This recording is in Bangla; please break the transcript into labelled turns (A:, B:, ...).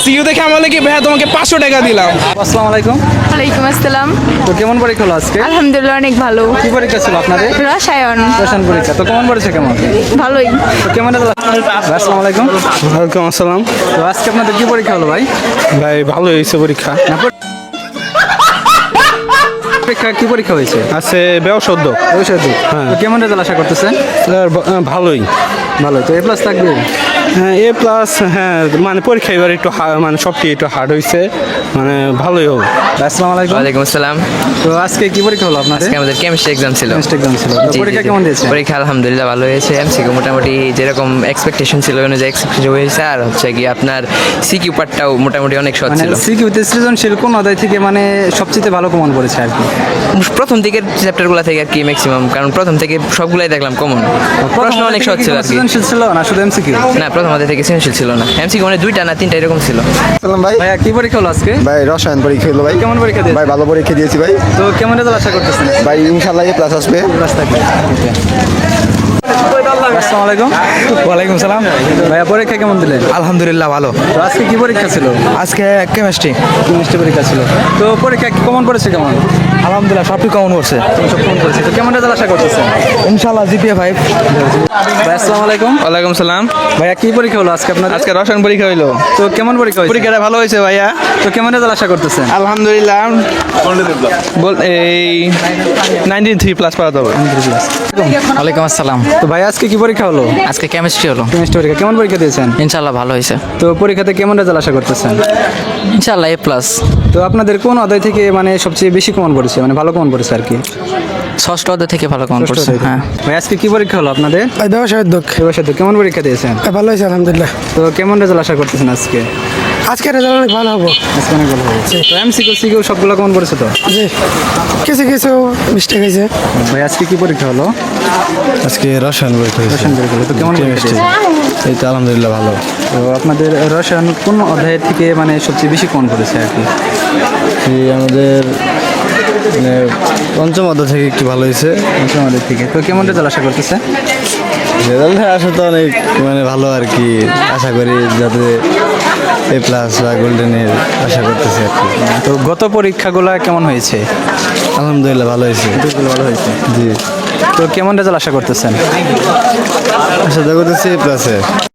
A: সিইউ দেখে আমার লাগে ভাইয়া তোমাকে 500 টাকা দিলাম।
B: আসসালামু আলাইকুম।
C: ওয়ালাইকুম আসসালাম।
B: তো কেমন পরীক্ষা হলো আজকে?
C: আলহামদুলিল্লাহ অনেক ভালো।
B: কি পরীক্ষা ছিল আপনাদের?
C: রসায়ন
B: রসায়ন পরীক্ষা। তো কেমন পড়েছে কেমন?
C: ভালোই।
B: তো কেমন রেজাল্ট? আসসালামু আলাইকুম।
A: ওয়ালাইকুম আসসালাম।
B: তো আজকে আপনাদের কি পরীক্ষা হলো ভাই?
A: ভাই ভালো হয়েছে পরীক্ষা।
B: পরীক্ষা কি পরীক্ষা হয়েছে?
A: আছে ব্যবসা উদ্যোগ।
B: তো কেমন রেজাল্ট আশা করতেছেন?
A: ভালোই।
B: ভালো। তো এ প্লাস থাকবে?
A: হ্যাঁ এ প্লাস, হ্যাঁ মানে পরীক্ষা এবার একটু মানে সবটি একটু হার্ড হয়েছে, মানে ভালোই হোক।
B: আসসালামু আলাইকুম।
D: ওয়ালাইকুম আসসালাম।
B: তো আজকে কি পরীক্ষা হলো আপনাদের?
D: আজকে আমাদের কেমিস্ট্রি এক্সাম ছিল।
B: কেমিস্ট্রি এক্সাম ছিল। তো
D: জি,
B: পরীক্ষা
D: জি, জি।
B: কেমন দিয়েছে?
D: পরীক্ষা আলহামদুলিল্লাহ ভালো হয়েছে। এমসিকিউ মোটামুটি যেরকম এক্সপেকটেশন ছিল অনুযায়ী এক্সপেকটেশন হয়েছে। আর হচ্ছে কি আপনার সিকিউ পার্টটাও মোটামুটি অনেক সহজ
B: মানে
D: ছিল।
B: সিকিউতে সৃজনশীল কোন অধ্যায় থেকে মানে সবচেয়ে ভালো কমন পড়েছে আর কি?
D: প্রথম দিকের চ্যাপ্টারগুলো থেকে আর কি ম্যাক্সিমাম, কারণ প্রথম থেকে সবগুলাই দেখলাম কমন। প্রশ্ন অনেক সহজ ছিল আর কি।
B: সৃজনশীল ছিল না শুধু এমসিকিউ?
D: না, প্রথম অধ্যায় থেকে সৃজনশীল ছিল না। এমসিকিউ মানে 2টা না 3টা এরকম ছিল।
E: সালাম ভাই।
B: ভাইয়া কি পরীক্ষা হলো আজকে?
E: ভাই রসায়ন পরীক্ষা হলো ভাই।
B: কেমন পরীক্ষা দিয়েছে?
E: ভাই ভালো পরীক্ষা দিয়েছি ভাই।
B: তো কেমন রেজাল্ট আশা করতেছেন?
E: ভাই ইনশাল্লাহ এ প্লাস আসবে।
B: ক্লাস থাকবে। আসসালামু আলাইকুম।
F: ওয়ালাইকুম সালাম।
B: ভাইয়া পরীক্ষা কেমন দিলেন?
F: আলহামদুলিল্লাহ ভালো।
B: তো আজকে কি পরীক্ষা ছিল?
F: আজকে কেমিস্ট্রি।
B: কেমিস্ট্রি পরীক্ষা ছিল। তো পরীক্ষা কমন পড়েছে কেমন?
F: আলহামদুলিল্লাহ সবটি কমন করছে।
B: সব কমন পড়েছে। তো কেমন রেজাল্ট আশা করতেছেন?
F: ইনশাআল্লাহ জিপিএ 5।
B: ভাই আসসালামু আলাইকুম।
A: ওয়ালাইকুম সালাম।
B: ভাইয়া কি পরীক্ষা হলো আজকে আপনার?
A: আজকে রসায়ন পরীক্ষা হইলো।
B: তো কেমন পরীক্ষা হয়েছে?
A: পরীক্ষাটা ভালো হয়েছে ভাইয়া।
B: তো কেমন রেজাল্ট আশা করতেছেন?
A: আলহামদুলিল্লাহ এই 93 প্লাস পাওয়া যাবে।
F: ওয়ালাইকুম আসসালাম।
B: তো ভাই আজকে কি পরীক্ষা হলো?
F: আজকে কেমিস্ট্রি হলো।
B: কেমিস্ট্রি পরীক্ষা। কেমন পরীক্ষা দিয়েছেন?
F: ইনশাআল্লাহ ভালো হয়েছে।
B: তো পরীক্ষাতে কেমন রেজাল্ট আশা করতেছেন?
F: ইনশাআল্লাহ এ প্লাস।
B: তো আপনাদের কোন অধ্যায় থেকে মানে সবচেয়ে বেশি কমন পড়েছে, মানে ভালো কমন পড়েছে আর কি?
F: ষষ্ঠ অধ্যায় থেকে ভালো কমন পড়ছে। হ্যাঁ।
B: ভাই আজকে কি পরীক্ষা হলো আপনাদের?
G: ব্যবসায় উদ্যোগ
B: ব্যবসায় তো কেমন পরীক্ষা দিয়েছেন?
G: ভালো হয়েছে আলহামদুলিল্লাহ।
B: তো কেমন রেজাল্ট আশা করতেছেন আজকে?
G: আজকে রেজাল্ট অনেক ভালো হবো।
B: আজকে অনেক ভালো হবে। তো এমসিকিউ সিকিউ সবগুলো কেমন পড়েছে তো?
G: জি, কিছু কিছু মিস্টেক হয়েছে।
B: ভাই আজকে কি পরীক্ষা হলো?
E: আজকে রসায়ন পরীক্ষা
B: রসায়ন পরীক্ষা হলো। তো কেমন পরীক্ষা দিয়েছেন?
E: এই তো আলহামদুলিল্লাহ ভালো।
B: তো আপনাদের রসায়ন কোন অধ্যায়ের থেকে মানে সবচেয়ে বেশি কমন পড়েছে আর কি?
E: আমাদের মানে পঞ্চম অধ্যায় থেকে একটু ভালো হয়েছে।
B: আমাদের থেকে। তো কেমন রেজাল্ট আশা করতেছে?
E: রেজাল্ট আসা তো অনেক মানে ভালো আর কি। আশা করি যাতে এ প্লাস বা গোল্ডেনের আশা করতেছি আর কি।
B: তো গত পরীক্ষাগুলো কেমন হয়েছে?
E: আলহামদুলিল্লাহ ভালো হয়েছে।
B: ভালো হয়েছে।
E: জি,
B: তো কেমন রেজাল্ট আশা করতেছেন?
E: আশা তো করতেছি এ প্লাসে।